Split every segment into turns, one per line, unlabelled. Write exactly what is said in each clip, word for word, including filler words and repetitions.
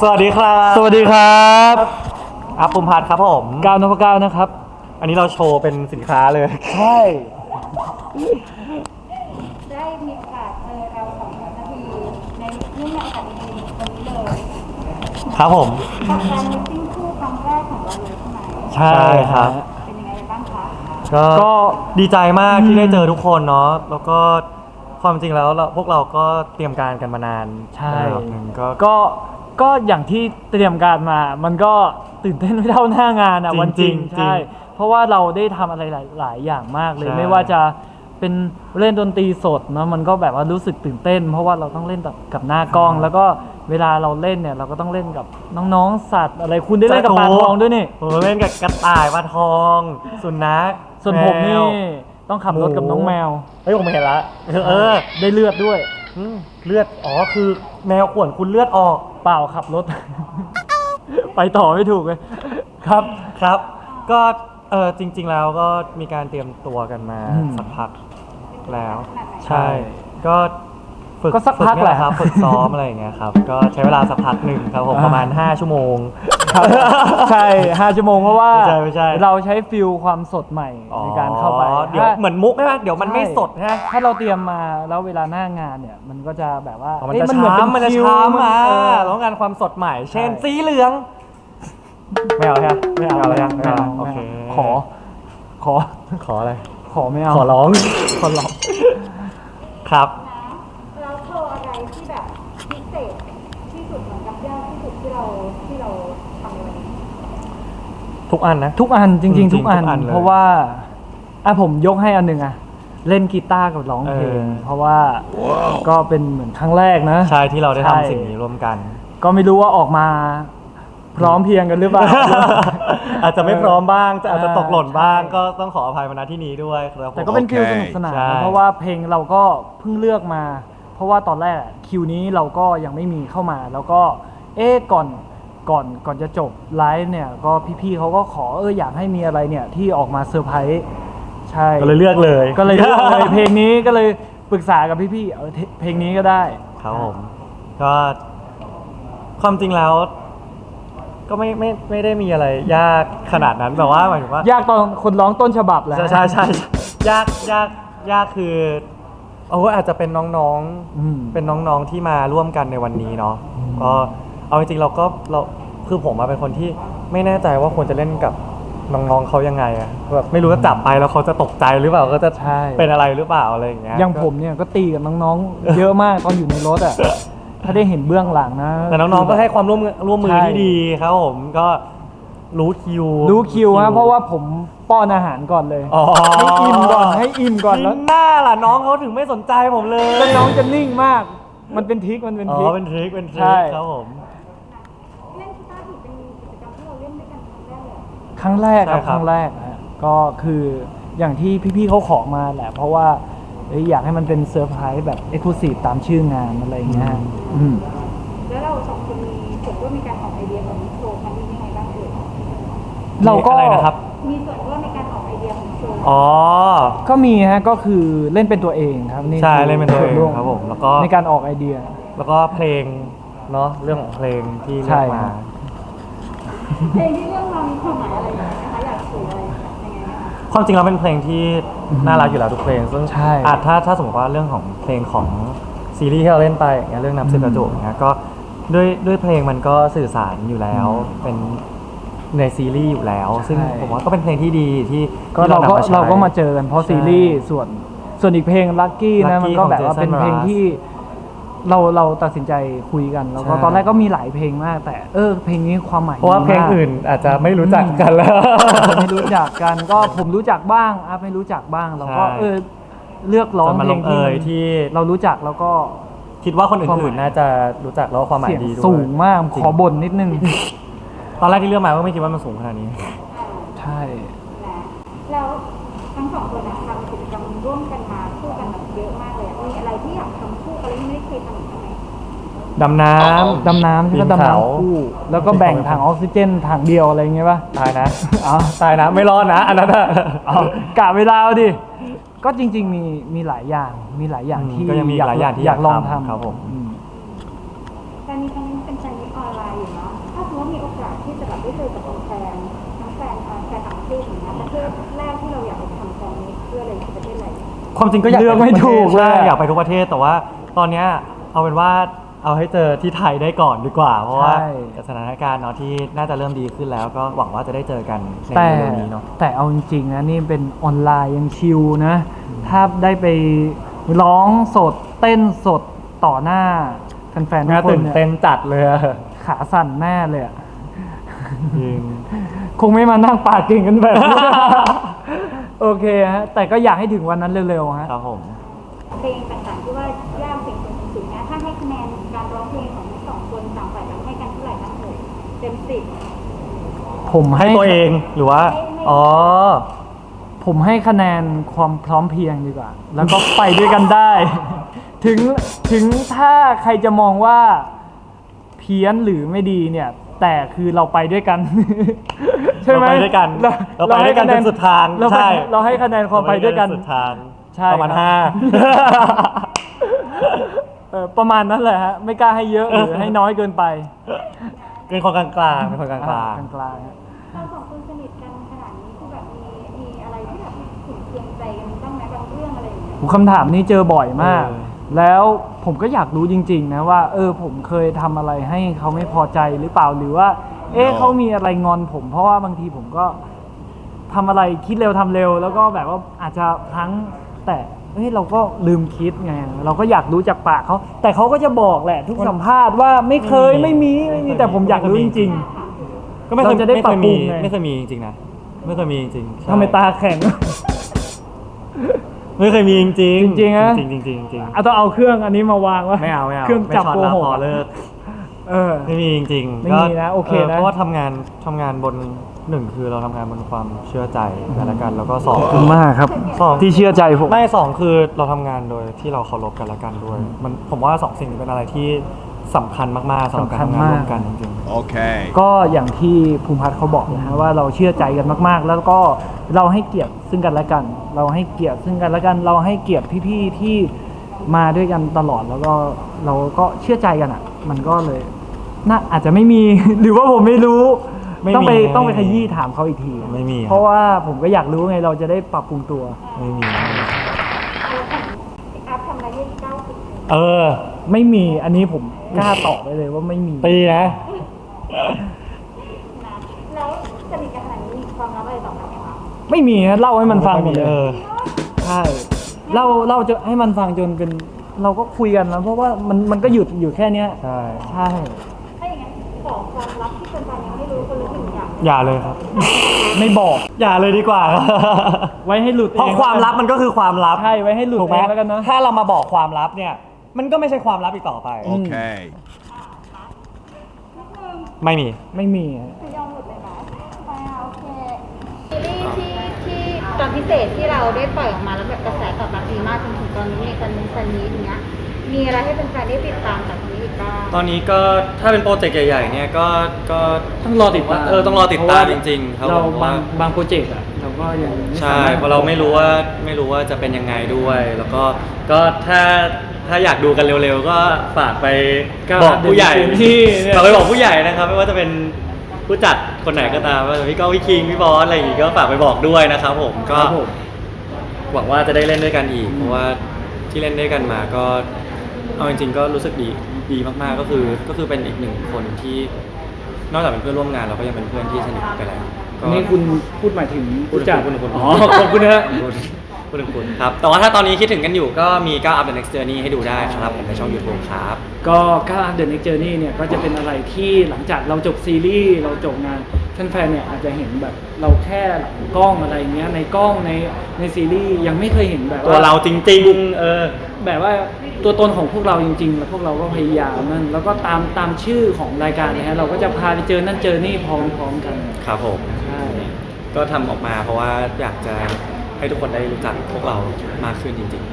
สวัสดีครับ
สวัสดีครับ
อัพภูมิพัฒน์ครับผม
ก้าวนพเก้านะครับ
อันนี้เราโชว์เป็นสินค้าเลย
ใช่
ได้มีโอกาสเจอเราสองคนนาทีในเรื่องในโอกาสดีๆวันนี้เลย
ครับผม
กับการมิทติ้งคู่ครั้งแรกของเราเลยใช่ไหม
ใช่ครับ
เป็นยังไงบ้างคะ
ก็ดีใจมากที่ได้เจอทุกคนเนาะแล้วก็ความจริงแล้วเราพวกเราก็เตรียมการกันมานาน
ใช่
ระดับหนึ่งก็
ก็ก็อย่างที่เตรียมการมามันก็ตื่นเต้นไม่เท่าหน้างานอ่ะวันจริงใช่เพราะว่าเราได้ทำอะไรหลายอย่างมากเลยไม่ว่าจะเป็นเล่นดนตรีสดเนาะมันก็แบบว่ารู้สึกตื่นเต้นเพราะว่าเราต้องเล่นกับหน้ากล้องแล้วก็เวลาเราเล่นเนี่ยเราก็ต้องเล่นกับน้องๆสัตว์อะไรคุณได้เล่นกับปลาทองด้วยนี่
ผมเล่นกับกระต่ายปลาทองสุนัข
ส่วนผมนี่ต้องขับรถกับน้องแมว
เฮ้ยผมเห็นละเออ
ได้เลือดด้วย
เลือดอ๋อคือแมวข่วนคุณเลือดออก
เปล่าขับรถไปต่อไม่ถูกเลยครับ
ครับก็เออจริงๆแล้วก็มีการเตรียมตัวกันมาสักพักแล้วใช่ก็ฝึก
ก็สักพักแหละ
ครับฝึกซ้อมอะไรอย่างเงี้ยครับก็ใช้เวลาสักพักหนึ่งครับผมประมาณห้าชั่วโมง
ใช่ห้าชั่วโมงเพราะว่า
ไม่ใช่ไม่ใช่
เราใช้ฟิลความสดใหม่ในการเข้าไป
เดี๋ยวเหมือนมุกใช่ไหมเดี๋ยวมันไม่สดใช่
ถ้าเราเตรียมมาแล้วเวลาหน้างานเนี่ยมันก็จะแบบว่า
มันจะช้ำมันจะช้ำอ่ะแล้วงานความสดใหม่เช่นสีเหลืองไม่เอาใช่ไหมไม่เอาอะไรยังไม่เอาโอเค
ขอขอ
ขออะไร
ขอไม่เอา
ขอร้องขอร้องครับ
แล้วโชว์อะไรที่แบบพิเศษที่สุดเหมือนกับยากที่สุดที่เราที่เราทำในวันนี้
ทุกอันนะ
ทุกอันจริงๆทุกอันเพราะว่าอ่ะผมยกให้อันหนึ่งอะเล่นกีตาร์กับร้องเพลงเพราะว่าก็เป็นเหมือนครั้งแรกนะ
ใช่ที่เราได้ทำสิ่งนี้ร่วมกัน
ก็ไม่รู้ว่าออกมาพร้อมเพียงกันหรือเปล่า
อาจจะไม่พร้อมบ้างจะอาจจะตกหล่นบ้างก็ต้องขออภัยมาณที่นี้ด้วยครับ
แต่ก็เป็นคิวสนุกสนานเพราะว่าเพลงเราก็เพิ่งเลือกมาเพราะว่าตอนแรกคิวนี้เราก็ยังไม่มีเข้ามาแล้วก็เอ๊ะก่อนก่อนก่อนจะจบไลฟ์เนี่ยก็พี่ๆเขาก็ขอเอออยากให้มีอะไรเนี่ยที่ออกมาเซอร์ไพรส์ใช่
ก็เลยเลือกเลย
ก็เลยเลือกเลยเพลงนี้ก็เลยปรึกษากับพี่ๆเออเพลงนี้ก็ได้
ครับผมก็ความจริงแล้วก็ไม่ไม่ไม่ได้มีอะไรยากขนาดนั้นแบบว่าหมายถึงว่าย
ากตอนคนร้องต้นฉบับแหละ
ใช่ใช่ใช่ยากยากยากคือเอาว่าอาจจะเป็นน้องๆเป็นน้องๆที่มาร่วมกันในวันนี้เนาะก็เอาจริงๆเราก็เราคือผมมาเป็นคนที่ไม่แน่ใจว่าควรจะเล่นกับน้องๆเขายังไงอะแบบไม่รู้จะจับไปแล้วเขาจะตกใจหรือเปล่าก็จะเป็นอะไรหรือเปล่าอะไรอย่างเงี้ย
อย่างผมเนี่ยก็ตีกับน้องๆเยอะมากตอนอยู่ในรถอะถ้าได้เห็นเบื้องหลังนะ
แต่น้องๆก็ให้ความร่วมร่วมมือที่ดีครับผมก็รู้คิว
รู้คิวฮะเพราะว่าผมป้อนอาหารก่อนเลยให้อิ่มก่อนให้อิ่มก่อนแล้ว
หน้าล่ะน้องเขาถึงไม่สนใจผมเลย
แล้วน้องจะนิ่งมากมันเป็นทริคมันเป็นทริค
อ๋อเป็นทริคเป็นทริคครับผม
เล่นกีตาร์ถือเป็นกิจกรรมที่เราเล่นด้วยกันครั้งแรกเลย
ครั้งแรกครับครั้งแรกก็คืออย่างที่พี่ๆเขาขอมาแหละเพราะว่าอยากให้มันเป็นเซอร์ไพรส์แบบเอ็กซ์คลูซีฟตามชื่องานอะไรอย่างเงี้ย
แล้วเราสองคนมีส่วนร่วมในการออกไอเดียของโชว์ครั้งนี้ยังไงบ้างเอ่ย
เราก็
นะครับ
มีส่วนร่วมในการออกไอเดียของโชว์
อ๋อ
ก็มีฮะก็คือเล่นเป็นตัวเองครับ
นี่ใช่เล่นเป็นตัวเองครับผมแล้วก็
ในการออกไอเดีย
แล้วก็เพลงเนาะเรื่องของเพลงที่เลือกมา
เพลงที่เลือกมามีความหมายอะไรนะคะอยากสื่ออะไรยังไงนะคะ
ความจริงเราเป็นเพลงที่น่ารักอยู่แล้วทุกเพลงซึ่งอาจถ้าถ้าสมมติว่าเรื่องของเพลงของซีรีส์ที่เราเล่นไปอย่างเงี้ยเรื่องน้ำซึมกระจกเงี้ยก็ด้วยด้วยเพลงมันก็สื่อสารอยู่แล้วเป็นในซีรีส์อยู่แล้วซึ่งผมว่าก็เป็นเพลงที่ดีที่
ก็เราก็เราก็มาเจอกันเพราะซีรีส์ส่วนส่วนอีกเพลงลัคกี้นะมันก็แบบว่าเป็นเพลงที่เราเราตัดสินใจคุยกันแล้วก็ตอนแรกก็มีหลายเพลงมากแต่เออเพลงนี้ความหมาย
เพราะว่าเพลงอื่นอาจจะไม่รู้จักกันแล้ว
ไม่รู้จักกันก็ผมรู้จักบ้างอ่ะไม่รู้จักบ้างเราก็เออเลือกร้องเพลงที่เรารู้จักแล้วก็
คิดว่าคนอื่นๆน่าจะรู้จักแล้วความหมายดีด้วย
สูงมากขอบ่นนิดนึง
ตอนแรกที่เลือกมาก็ไม่คิดว่ามันสูงขนาดนี้
ใช่
แล้วทั้งสองคนทำกิจกรรมร่วมกันมาคู่กันแบบเยอะมากเลยมีอะไรที่อยากทำคู่กันแล้วไม่ได้เคยทำอีกไหม
ดำน้ำ
ดำน้ำที่ก็ดำน้ำคู่แล้วก็แบ่งถังออกซิเจนถังเดียวอะไรเงี้ยป่ะ
ตายนะอ๋อตายนะไม่รอดนะอันนั้น
อ๋อกะเวลาดิก็จริงๆมีมีหลายอย่างมีหลายอย่างที่
ก็ยังมีหลายอย่างที่
อยากลองทำ
ครับผม
การนี้ครั้งนี้เป็นการนี้ออนไลน์อยู่นะจะแบบได้เจอกับแฟนทั้งแฟนเอ่อแฟนต่างประเทศอย่างเงี้ยประเทศแรกที่เราอยากไปทำแฟนนี้เพื่ออะไรคือประเทศอะไร
ความจริงก็อยาก
เลือกไม่ถูกเลย
ใช่อยากไปทุกประเทศแต่ว่าตอนเนี้ยเอาเป็นว่าเอาให้เจอที่ไทยได้ก่อนดีกว่า เพราะว่า
ใช่
สถานการณ์เนาะที่น่าจะเริ่มดีขึ้นแล้วก็หวังว่าจะได้เจอกันใน
แต่
เร็วๆนี้เนาะ
แต่เอาจริงๆนะนี่เป็นออนไลน์ยังชิลนะ ถ้าได้ไปร้องสดเต้นสดต่อหน้าแฟนๆทุก
น่า
คน
ตื่น
เนี่ย
เต้นจัดเลยอะ
ขาสั่นแน่เลยอะ
จริง
คงไม่มานั่งปากเก่งกันแบบนี้ โอเคฮะ แต่ก็อยากให้ถึงวันนั้นเร็วๆฮะ
ครับผม
เพลงต่างๆที่ว่ายากสิ่งสูงๆนะถ้าให้คะแนนการร้องเพลงของทั้งสองคนต่างฝ่ายต่างให้กันเท่าไหร่บ้างเอ่ยเต็มสิบ
ผมให้
ให้ตัวเองหรือว่า อ๋อ
ผมให้คะแนนความพร้อมเพรียงดีกว่า แล้วก็ไปด้วยกันได้ ถึงถึงถ้าใครจะมองว่าเพี้ยนหรือไม่ดีเนี่ย แต่คือเราไปด้วยกัน ใช่ไหม
เราไปด้วยกันเราไปด้วยกันจนสุดทาง
เราไป
ใช่
เราให้คะแนนความไปด้วยกัน
สุดทาง
ใช่
ประมาณ
ครับ
ห้า
เออประมาณนั้นแหละฮะ ไม่กล้าให้เยอะหรือให้น้อยเกินไป
เป็นคนกลางๆเป็นคนกลาง
กลางกลางๆฮะ
เราสองคนสนิทกันขนาดนี้คือแบบมีมีอะไรที่แบบถึงเคียงใจกันบ้างไหมบางเรื่องอะไรอย่างเงี้ย
ผมคำถามนี้เจอบ่อยมาก
เออ
แล้วผมก็อยากรู้จริง ๆ นะว่า เออผมเคยทำอะไรให้เขาไม่พอใจหรือเปล่าหรือว่า เอ๊ะเขามีอะไรงอนผม เพราะว่าบางทีผมก็ทำอะไรคิดเร็วทำเร็ว แล้วก็แบบว่าอาจจะพลั้งแต่เฮ้ยเราก็ลืมคิดไงเราก็อยากรู้จากปากเขาแต่เขาก็จะบอกแหละ ทุกสัมภาษณ์ว่าไม่เคยไม่มีไม่มีแต่ผมอยากรู้จริง
ก็ไม่เคย
เราจะได้
ไม่เคยมี
ปรับปรุงไง
ไม่เคยมีจริงๆนะไม่เคยมีจริงๆ
ๆ
ใช่
ทำไมตาแข็ง
ไม่เคยมีจริงๆ
จริงๆนะ
จริงๆจริงๆจริง
เอาต้องเอาเครื่องอันนี้มาวางว่า
ๆไม่เอาไม่เอา
เครื่องจับ
ไม่
โก
ช็อต
ห
ละ
ก
พอเลิก
เออ
ไม่มีจริงๆ
ไม่มีนะโอเคนะ
เพราะว่าทำงานทำงานบนหนึ่งคือเราทำงานบนความเชื่อใจกันและกัน แล้วก็สอง
ขอบคุณมากครับ
สอง
ที่เชื่อใจผม
ไม่สองคือเราทำงานโดยที่เราเคารพกันและกันด้วย มันผมว่าสองสิ่งนี้เป็นอะไรที่สำคัญมากๆสำหรับการทำงานร่วมกันจริง
Okay.
ก็อย่างที่ภูมิพัฒน์เขาบอกนะฮะว่าเราเชื่อใจกันมากๆ แล้วก็เราให้เกียรติซึ่งกันและกัน เราให้เกียรติซึ่งกันและกัน เราให้เกียรติพี่ๆที่มาด้วยกันตลอดแล้วก็เราก็เชื่อใจกันอ่ะ มันก็เลยน่าอาจจะไม่มี หรือว่าผมไม่รู้
ไม่มี
ต้องไป
ไม่มี
ต้องไปขยี้ถามเขาอีกที
ไม่มี
เพราะว่าผมก็อยากรู้ไงเราจะได้ปรับปรุงตัว
ๆไม่มี
แล้วของอัพทำอะไรให้เก้าสิบ
เออ
ไม่มีอันนี้ผมกล้าตอบไปเลยว่าไม่มี
ตีนะ
นะแล้วสนิทกันขนาดนี้มีความลับอะไรต่อกันไหมคะ
ไม่มีฮะเล่าให้มันฟังหมดเลย
เออ
ใช่เล่าเล่าจะให้มันฟังจนเป็นเราก็คุยกันนะเพราะว่ามันมันก็หยุดอยู่แค่เนี้ย
ใช่
ใช่
ถ้าอย่างนั้นขอความลับที่แฟนๆยังไม่รู้คนละหนึ่งอย่าง
อย่าเลยครับ
ไม่บอก
อย่าเลยดีกว่า
ไว้ให้หลุด
เพราะ
อง
ความลับมันก็คือความลับ
ใช่ไว้ให้หลุด
ถูกไหม
เองแล้วกันเนอะ
ถ้าเรามาบอกความลับเนี่ย มันก็ไม่ใช่ความลับอีกต่อไป
Okay.
ไม่มี
ไม่มี
คือยอมหลุดเลยนะไปอ่ะโอเคซีรีส์ที่ที่ตอนพิเศษที่เราได้ปล่อยออกมาแล้วแบบกระแสตอบรับดีมากจนถึงตอนนี้ในกันซันนี้อย่างเงี้ยมีอะไรให้แฟนๆได้ติดตามจากนี้อีกบ้าง
ตอนนี้ก็ถ้าเป็นโปรเจกต์ใหญ่ๆเนี่ยก็ก็
ต้องรอติดตาม
เออต้องรอติดตามจริงๆครับ
เรา
ผมว่า
บางบางโปรเจกต์อะเราก็ยังไม่
ใช่
สมถ
เพราะเราไม่รู้ว่าไม่รู้ว่าจะเป็นยังไงด้วย แล้วก็ก็ถ้าถ้าอยากดูกันเร็วๆ ก็ฝากไป
ก็
บอกผู้ใหญ่
เดี๋ยวที่เนี่ย
ฝากไปบอกผู้ใหญ่นะครับ ไม่ว่าจะเป็นผู้จัดคนไหนก็ตามว่าจะพี่ก้องพี่คิงพี่บอสอะไรอย่างงี้ก็ฝากไปบอกด้วยนะครับผมก็
ครับผม
หวังว่าจะได้เล่นด้วยกันอีก เพราะว่าที่เล่นด้วยกันมาก็เอาจริงๆก็รู้สึกดีดีมากๆก็คือก็คือเป็นอีกหนึ่งคนที่นอกจากเป็นเพื่อนร่วมงานเราก็ยังเป็นเพื่อนที่สนิทไปแล้วก็
นี่คุณพูดหมายถึง
พูดถึง
ผู้จัด
พูดถึงคุณ
อ๋อขอบคุณนะฮะ
พูดถึงคุณครับ แต่ว่าถ้าตอนนี้คิดถึงกันอยู่ก็มีก้าว Up the Next Journey ให้ดูได้ครับผมในช่อง YouTube ครับ
ก็ก้าว The Next Journey เนี่ยก็จะเป็นอะไรที่หลังจากเราจบซีรีส์เราจบงานแฟนๆเนี่ยอาจจะเห็นแบบเราแค่หลังกล้องอะไรเงี้ยในกล้องในในซีรีส์ยังไม่เคยเห็นแบบ
ตัวเราจริงๆ เออ
แบบว่าตัวตนของพวกเราจริงๆ แล้วพวกเราก็พยายามนั่นแล้วก็ตามตามชื่อของรายการนะฮะเราก็จะพาไปเจอนั่นเจอนี่พร้อมๆกัน
ครับผม
ใช่
ก็ทำออกมาเพราะว่าอยากจะให้ทุกคนได้รู้จักพวกเรามากขึ้นจริง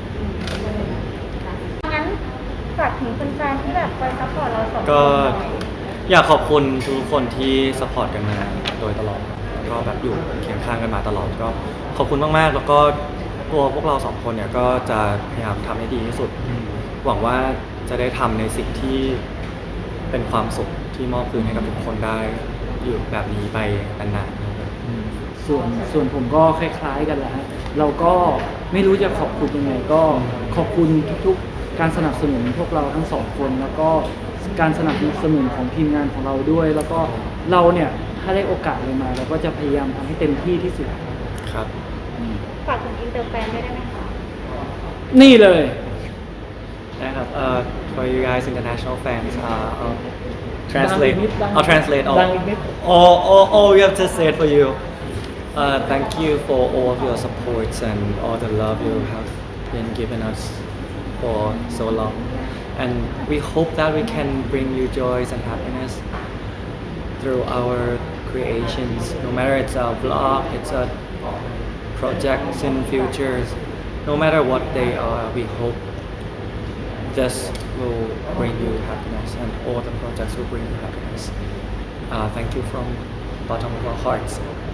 งั้นฝากถึงแฟนๆที่แบบคอยซัพพอร์ตเราสองคน
ๆ ก็
หน่อย
อยากขอบคุณทุกคนที่สปอร์ตกันมาโดยตลอดแล้วก็แบบอยู่เคียงข้างกันมาตลอดก็ขอบคุณมากๆ แล้วก็ตัวพวกเราสองคนเนี่ยก็จะพยายามทำให้ดีที่สุด หวังว่าจะได้ทำในสิ่งที่เป็นความสุขที่มอบคืนให้กับทุกคนได้
อยู่แบบนี้ไปนานๆครับ
ส่วนส่วนผมก็คล้ายๆกันแหละฮะเราก็ไม่รู้จะขอบคุณยังไง ก็ขอบคุณทุกๆ การสนับสนุนพวกเราทั้งสองคน แล้วก็การสนับสนุนของทีมงานของเราด้วย แล้วก็เราเนี่ยถ้าได้โอกาสอะไรมาเราก็จะพยายามทำให้เต็มที่ที่สุด
ครับ
ฝากถึงอินเตอร์แฟนด้วยได้ไหมคะ
นี่เลย
นะครับ uh, for you guys international fans uh, I'll translate
ดังอีกนิดดัง
I'll translate all
ดังอีกนิด
all all all we have to say it for you uh, thank you for all of your supports and all the love you have been giving us for so long and we hope that we can bring you joys and happiness through our creations no matter it's a vlog it's a projects in futures no matter what they are we hope this will bring you happiness and all the projects will bring you happiness uh, thank you from bottom of our hearts